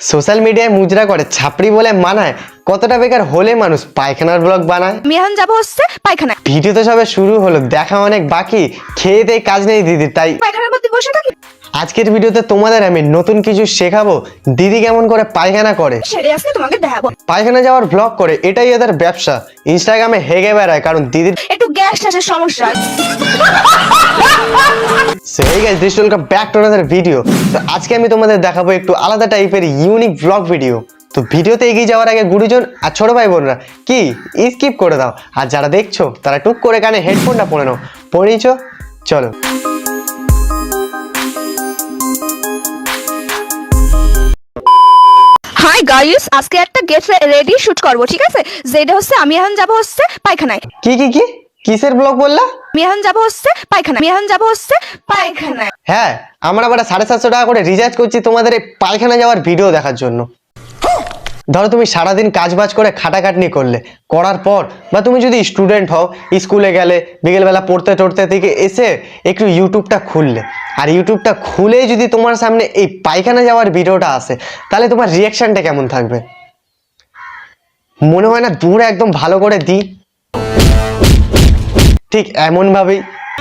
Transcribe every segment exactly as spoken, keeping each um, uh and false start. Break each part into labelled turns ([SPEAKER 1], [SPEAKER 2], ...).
[SPEAKER 1] Social মিডিয়ায় মুজরা করে ছাপড়ি বলে মানায়, কতটা বেকার হলে মানুষ পায়খানার ব্লগ বানায়।
[SPEAKER 2] আমি এখন যাবো হচ্ছে পায়খানা।
[SPEAKER 1] ভিডিও তো সবে শুরু হলো, দেখা অনেক বাকি, খেয়ে দেয় কাজ নেই দিদির, তাই
[SPEAKER 2] পায়খানার মধ্যে বসে থাকি।
[SPEAKER 1] আজকের ভিডিওতে তোমাদের আমি নতুন কিছু শেখাবো। দিদি কেমন করে পায়খানা করে
[SPEAKER 2] সেরে আজকে তোমাকে দেখাবো।
[SPEAKER 1] পায়খানা যাওয়ার ব্লগ করে, এটাই এদের ব্যবসা। ইনস্টাগ্রামে হেগে বেড়ায় কারণ দিদির
[SPEAKER 2] একটু গ্যাস ট্যাসের সমস্যা।
[SPEAKER 1] সেই guys, this welcome back to another video. তো আজকে আমি তোমাদের দেখাবো একটু আলাদা টাইপের ইউনিক ব্লগ ভিডিও। তো ভিডিওতে এগিয়ে যাওয়ার আগে গুরুজন আর ছোট ভাই বোনরা কি স্কিপ করে দাও, আর যারা দেখছো তারা টুক করে কানে হেডফোনটা পরে নাও। পরে নিছো, চলো।
[SPEAKER 2] হাই গাইস, আজকে একটা গেট রেডি শুট করব, ঠিক আছে? যেটা হচ্ছে আমি এখন যাব হচ্ছে পায়খানায়।
[SPEAKER 1] কি কি কি কিসের ব্লগ বললা?
[SPEAKER 2] আমি এখন যাব হচ্ছে পায়খানা। আমি এখন যাব হচ্ছে পায়খানায়।
[SPEAKER 1] হ্যাঁ, আমরা আবার সাড়ে সাতশো টাকা করে রিচার্জ করছি তোমাদের এই পায়খানা যাওয়ার ভিডিও দেখার জন্য। ধরো তুমি সারাদিন কাজ বাজ করে খাটাখাটনি করলে, করার পর বা তুমি যদি স্টুডেন্ট হও, স্কুলে গেলে বিকেলবেলা পড়তে টড়তে থেকে এসে একটু ইউটিউবটা খুললে, আর ইউটিউবটা খুলে যদি তোমার সামনে এই পায়খানা যাওয়ার ভিডিওটা আসে, তাহলে তোমার রিয়াকশনটা কেমন থাকবে? মনে হয় না দূরে একদম ভালো করে দিই? ঠিক এমন ভাবেই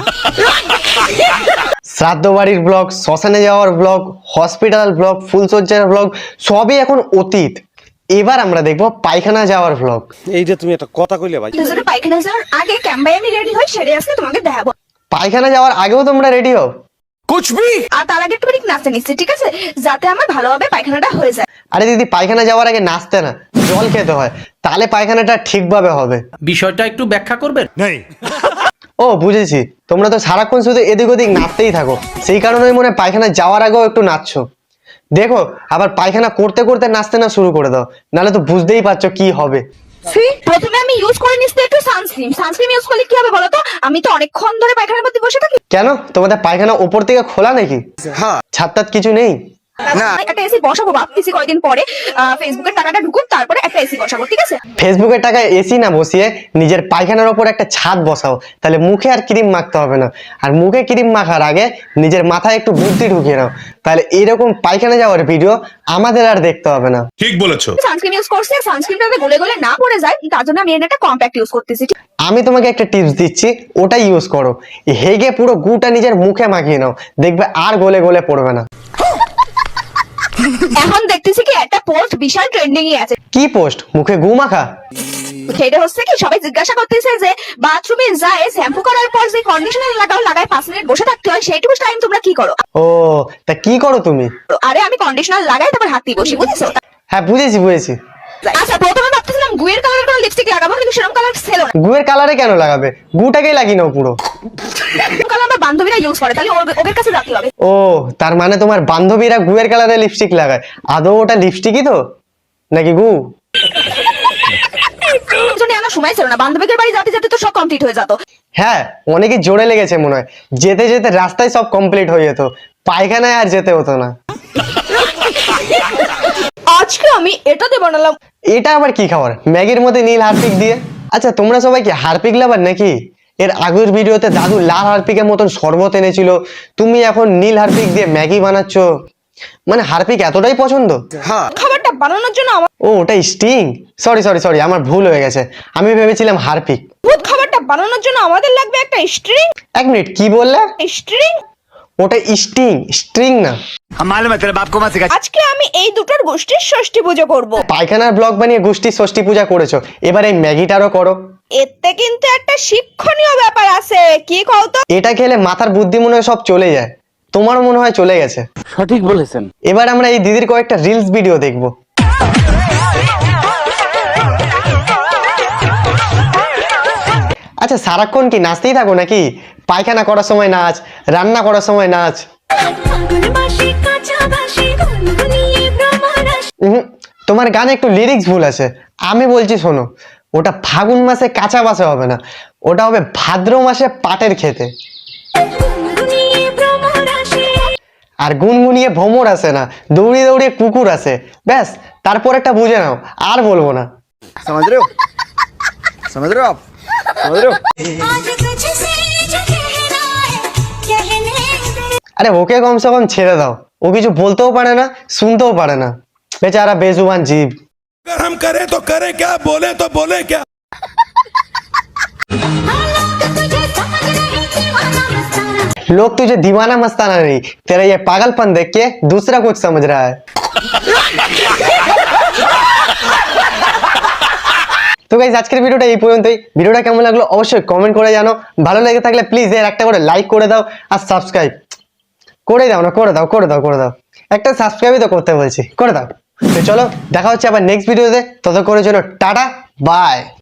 [SPEAKER 1] শ্রাদ্ধ বাড়ির ব্লগ, শ্মশানে যাওয়ার ব্লগ, হসপিটাল ব্লগ, ফুলসজ্জার ব্লগ সবই এখন অতীত। এবার আমরা দেখবো পায়খানা যাওয়ার ব্লগ।
[SPEAKER 3] এই যে তুমি একটা কথা কইলে ভাই,
[SPEAKER 2] দুজনে পায়খানা যাওয়ার আগে ক্যাম্বাই আমি রেডি হই, সেরে আজকে তোমাকে দেখাবো।
[SPEAKER 1] পায়খানা যাওয়ার আগেও তোমরা রেডি হও?
[SPEAKER 3] কুছ ভি।
[SPEAKER 2] আর তার আগে একটু নাচতে নিচ্ছি, ঠিক আছে? যাতে আমার ভালোভাবে পায়খানাটা হয়ে যায়।
[SPEAKER 1] আরে দিদি, পায়খানা যাওয়ার আগে নাচতে না, জল খেতে হয়, তাহলে পায়খানাটা ঠিকভাবে হবে।
[SPEAKER 4] বিষয়টা একটু ব্যাখ্যা করবেন?
[SPEAKER 3] নেই।
[SPEAKER 1] ও বুঝেছি, তোমরা তো সারাক্ষণ শুধু এদিক ওদিক নাচতেই থাকো, সেই কারণেই মনে হয় পায়খানা যাওয়ার আগেও একটু নাচছো। দেখো, আবার পায়খানা করতে করতে নাচতে না শুরু করে দাও, নাহলে তো বুঝতেই পারছো কি হবে।
[SPEAKER 2] প্রথমে আমি ইউজ করে নিচ্ছি একটু সানস্ক্রিন। সানস্ক্রিন ইউজ করলে কি হবে বলো তো? আমি তো অনেকক্ষণ ধরে পায়খানার মধ্যে বসে থাকি।
[SPEAKER 1] কেন, তোমাদের পায়খানা ওপর থেকে খোলা নাকি?
[SPEAKER 3] হ্যাঁ।
[SPEAKER 1] ছাদ টাদ কিছু নেই?
[SPEAKER 3] না।
[SPEAKER 2] একটা এসি বসাবো ভাবতেছি কয়েকদিন পরে। ফেসবুকের টাকাটা ঢুকুন, তারপরে একটা এসি বসাবো, ঠিক আছে?
[SPEAKER 1] ফেসবুকের টাকায় এসি না বসিয়ে নিজের পায়খানার ওপর একটা ছাদ বসাও, তাহলে মুখে আর ক্রিম মাখতে হবে না। আর মুখে ক্রিম মাখার আগে নিজের মাথায় একটু বুদ্ধি ঢুকিয়ে নাও, তাহলে এরকম পায়খানা যাওয়ার ভিডিও আমাদের আর দেখতে হবে না।
[SPEAKER 5] ঠিক বলেছো।
[SPEAKER 2] সানস্ক্রিন ইউজ করছি, সানস্ক্রিনটা যাতে গলে গলে না পড়ে যায়, তার জন্য আমি একটা কম্প্যাক্ট ইউজ করতেছি।
[SPEAKER 1] আমি তোমাকে একটা টিপস দিচ্ছি, ওটা ইউজ করো। হেগে পুরো গুটা নিজের মুখে মাখিয়ে নাও, দেখবে আর গলে গলে পড়বে না।
[SPEAKER 2] এখন দেখতেছি কি একটা পোস্ট বিশাল ট্রেন্ডিং এ আছে।
[SPEAKER 1] কি পোস্ট? মুখে গু মাখা?
[SPEAKER 2] সেটা হচ্ছে কি, সবাই জিজ্ঞাসা করতেছে যে বাথরুমে যায় শ্যাম্পু করার পর যে কন্ডিশনার লাগাও, লাগায় পাঁচ মিনিট বসে থাকতে হয়, সেইটুকু টাইম তোমরা কি করো?
[SPEAKER 1] ও, তা কি করো তুমি?
[SPEAKER 2] আরে আমি কন্ডিশনার লাগাই, তারপর হাত দিয়ে বসি, বুঝেছো?
[SPEAKER 1] হ্যাঁ বুঝেছি বুঝেছি।
[SPEAKER 2] আচ্ছা, প্রথমে ভাবতেছিলাম গুয়ের কালারের কোনো লিপস্টিক লাগাবো, কিন্তু সেরকম কালার ছিল না।
[SPEAKER 1] গুয়ের কালারে কেন লাগাবে? গুটাকেই লাগিয়ে নাও পুরো।
[SPEAKER 2] কালার আমার বান্ধবীরা ইউজ করে, তাহলে ওর- ওদের কাছে রাখতে হবে।
[SPEAKER 1] ও, তার মানে তোমার বান্ধবীরা গুয়ের কালারে লিপস্টিক লাগায়? আদৌ ওটা লিপস্টিকই তো নাকি গু?
[SPEAKER 2] জন্য আমার সময় ছিল না, বান্ধবীদের বাড়ি যেতে যেতে তো সব কমপ্লিট হয়ে যেত।
[SPEAKER 1] হ্যাঁ, অনেকে জোরে লেগেছে মনে হয়, যেতে যেতে রাস্তায় সব কমপ্লিট হয়ে যেত, পায়খানায় আর যেতে হতো না।
[SPEAKER 2] আজকে আমি এটাতে বানালাম।
[SPEAKER 1] এটা আবার কি খাবার? ম্যাগির মধ্যে নীল হারপিক দিয়ে? আচ্ছা, তোমরা সবাই কি হারপিক লাভার নাকি? এর আগের ভিডিওতে দাদু লাল হারপিকের মতন শরবত এনেছিল, তুমি এখন নীল হারপিক দিয়ে ম্যাগি বানাচ্ছ, মানে হারপিক এতটাই পছন্দ?
[SPEAKER 3] হ্যাঁ।
[SPEAKER 2] খাবারটা বানানোর জন্য আমার
[SPEAKER 1] ও, ওটা স্টিং। সরি সরি সরি, আমার ভুল হয়ে গেছে, আমি ভেবেছিলাম হারপিক।
[SPEAKER 2] ভূত খাবারটা বানানোর জন্য আমাদের লাগবে একটা স্ট্রিং।
[SPEAKER 1] এক মিনিট, কি বললে?
[SPEAKER 2] স্ট্রিং?
[SPEAKER 1] ওটা স্টিং, স্ট্রিং না।
[SPEAKER 3] মালুম তেরে বাপ কো মা সিখা।
[SPEAKER 2] আজকে আমি এই দুটোর গোষ্ঠীর ষষ্ঠী পুজো করব।
[SPEAKER 1] পায়খানার ব্লগ বানিয়ে গোষ্ঠী ষষ্ঠী পূজা করেছো, এবার এই ম্যাগিটারও করো।
[SPEAKER 2] এতে কিন্তু একটা শিক্ষণীয় ব্যাপার আছে, কি কও তো?
[SPEAKER 1] এটা খেলে মাথার বুদ্ধি মনে হয় সব চলে যায়, তোমারও মনে হয় চলে গেছে।
[SPEAKER 4] সঠিক বলেছেন।
[SPEAKER 1] এবার আমরা এই দিদির কয়েকটা রিলস ভিডিও দেখবো। আচ্ছা, সারাক্ষণ কি নাচতেই থাকো নাকি? পায়খানা করার সময় নাচ, রান্না করার সময় নাচ। উহুম, তোমার গানে একটু লিরিক্স ভুল আছে, আমি বলছি শোনো। ওটা ফাগুন মাসে কাঁচা বাসে হবে না, ওটা হবে ভাদ্র মাসে পাটের খেতে। আর গুনগুনিয়ে ভ্রমর আসে না, দৌড়িয়ে দৌড়িয়ে কুকুর আসে, ব্যাস। তারপর একটা বুঝে নাও, আর বলবো না।
[SPEAKER 3] समझ रहे हो? समझ रहे हो आप? समझ रहे हो?
[SPEAKER 1] আরে ওকে কমসে কম ছেড়ে দাও, ও কিছু বলতেও পারে না, শুনতেও পারে না। बेचारा बेजुबान जीव।
[SPEAKER 5] अगर हम करें तो करें क्या, बोले तो बोले क्या।
[SPEAKER 1] लोग तुझे दीवाना मस्ताना नहीं, तेरा ये पागलपन देख के दूसरा कुछ समझ रहा है। তো গাইস আজকের ভিডিওটা এই পর্যন্তই। ভিডিওটা কেমন লাগলো অবশ্যই কমেন্ট করে জানো। ভালো লেগে থাকলে প্লিজ এর একটা করে লাইক করে দাও আর সাবস্ক্রাইব করে দাও না, করে দাও করে দাও করে দাও একটা সাবস্ক্রাইবই তো করতে বলছি, করে দাও। তো চলো দেখা হচ্ছে আবার নেক্সট ভিডিওতে, ততক্ষণের জন্য টাটা বাই।